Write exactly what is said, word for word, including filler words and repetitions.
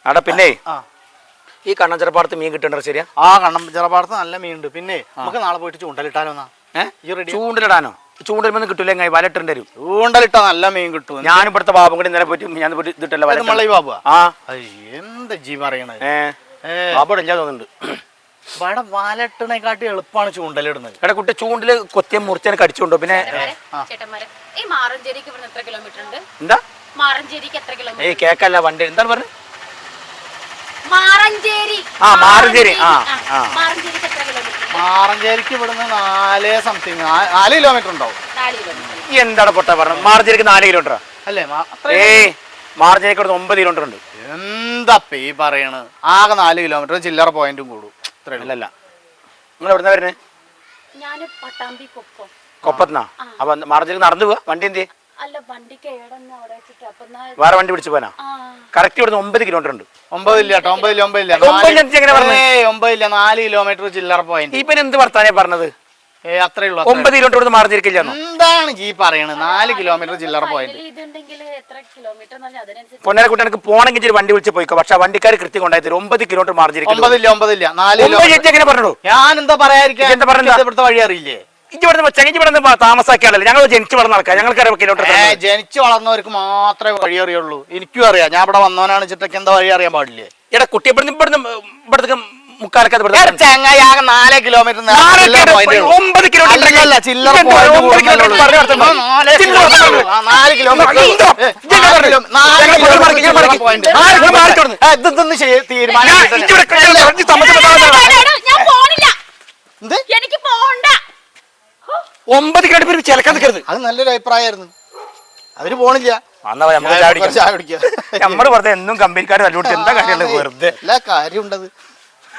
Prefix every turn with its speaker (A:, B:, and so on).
A: അവിടെ പിന്നെ ഈ കണ്ണഞ്ചിറപ്പാടത്ത് മീൻ കിട്ടണ്ടോ ശരിയാ?
B: ആ കണ്ണഞ്ചിറപ്പാടത്ത് നല്ല മീൻ ഉണ്ട്. പിന്നെ നമുക്ക് നാളെ പോയിട്ട് ചൂണ്ടലിട്ടാലോ?
A: ഏഹ് ചൂണ്ടലിടാനോ? ചൂണ്ടലിമൊന്നും കിട്ടൂല, വലട്ടുണ്ട് വരും.
B: ചൂണ്ടലിട്ടാ നല്ല മീൻ കിട്ടും.
A: ഞാൻ ഇവിടുത്തെ ബാബും കൂടി ഇന്നലെ പോയിട്ട് ഞാൻ ഇതിട്ടല്ലോ
B: ബാബു.
A: ആ
B: എന്താ ജീ പറയണത്?
A: ഏഹ് ബാബു ഇല്ല തോന്നുന്നുണ്ട്.
B: ഇവിടെ വലട്ടിനെക്കാട്ടി എളുപ്പമാണ് ചൂണ്ടലിടുന്നത്.
A: എടാ കുട്ടി ചൂണ്ടില് കൊത്തിയ മുറിച്ചനെ കടിച്ചുകൊണ്ടോ? പിന്നെ എന്താ ഏയ് കേക്കല്ല വണ്ടി എന്താണ് പറഞ്ഞത്? ആ മാറഞ്ചേരി. ആ
B: മാറഞ്ചേരിക്ക് ഇവിടുന്ന് നാല് സംതിങ് നാല് കിലോമീറ്റർ ഉണ്ടാവും.
A: എന്താണ് പൊട്ട പറഞ്ഞത്? മാറഞ്ചേരിക്ക് നാല് കിലോമീറ്ററാ അല്ലേ? ഏയ് മാറഞ്ചേരിക്ക് ഇവിടുന്ന് ഒമ്പത് കിലോമീറ്റർ ഉണ്ട്.
B: എന്താ ഈ പറയണത്? ആകെ നാല് കിലോമീറ്റർ ചില്ലറ പോയിന്റും കൂടും.
A: അല്ലല്ല നിങ്ങൾ എവിടുന്ന വരുന്നത്? കൊപ്പത്തുനിന്നാ? അപ്പൊ മാറഞ്ചേരിക്ക് നടന്നു പോവാ? വണ്ടി എന്ത് വേറെ വണ്ടി പിടിച്ചു പോനാ? കറക്റ്റ് ഇവിടുന്ന് ഒമ്പത് കിലോമീറ്റർ ഉണ്ട്.
B: ഒമ്പതില്ല ഒമ്പതില്ല ഒമ്പതില്ല ഒമ്പതില്ല നാല് കിലോമീറ്റർ ചില്ലറ പോയിന്റ്.
A: ഇപ്പൊ എന്ത് വർത്താനേ പറഞ്ഞത്?
B: ഏ അത്രേ ഉള്ളൂ.
A: ഒമ്പത് കിലോമീറ്റർ ഇവിടുന്ന് മാറഞ്ചേരിക്കില്ല.
B: എന്താണ് ഈ പറയണത്? നാല് കിലോമീറ്റർ ചില്ലറ പോയിന്റ്.
A: പൊന്നേരെ കുട്ടി എനിക്ക് പോണെങ്കിൽ വണ്ടി വിളിച്ച് പോയിക്കോ. പക്ഷെ വണ്ടിക്കാർ കൃത്യം കൊണ്ടായി തരും. ഒമ്പത് കിലോമീറ്റർ മാർജിൻ.
B: ഒമ്പതില്ല ഒമ്പതില്ല നാല്
A: എങ്ങനെ പറഞ്ഞു?
B: ഞാൻ എന്താ പറയാതിരിക്കാൻ? എന്താ പറഞ്ഞത്? ഇവിടുത്തെ വഴി അറിയില്ലേ?
A: താമസാക്കിയാണല്ലോ. ഞങ്ങൾ ജനിച്ചു വളർന്ന ആൾക്കാർ, ഞങ്ങൾക്ക് കിലോമീറ്റർ.
B: ജനിച്ചു വളർന്നവർക്ക് മാത്രമേ വഴി അറിയുള്ളൂ. എനിക്കും അറിയാം. ഞാൻ ഇവിടെ വന്നവനാണ് ചിട്ടക്ക് എന്താ വഴി അറിയാൻ പാടില്ലേ?
A: എടാ കുട്ടി ഇവിടുന്ന് ഇവിടുന്ന് ഇവിടത്തേക്ക് മുക്കാലൊക്കെ
B: ചങ്ങായാകെ നാല് കിലോമീറ്റർ
A: ഒമ്പത് കിലോമീറ്റർ
B: ചില്ലറ
A: ഒമ്പത് കിലോമീറ്റർ ചിലക്കാൻ നിൽക്കരുത്.
B: അത് നല്ലൊരു അഭിപ്രായമായിരുന്നു. അവര് പോണില്ല.
A: നമ്മള് വെറുതെ എന്നും കമ്പനിക്കാർ തല്ലുപിടിച്ച് എന്താ കാര്യമുള്ളത്? വെറുതെ
B: എല്ലാ കാര്യം ഉണ്ടത്.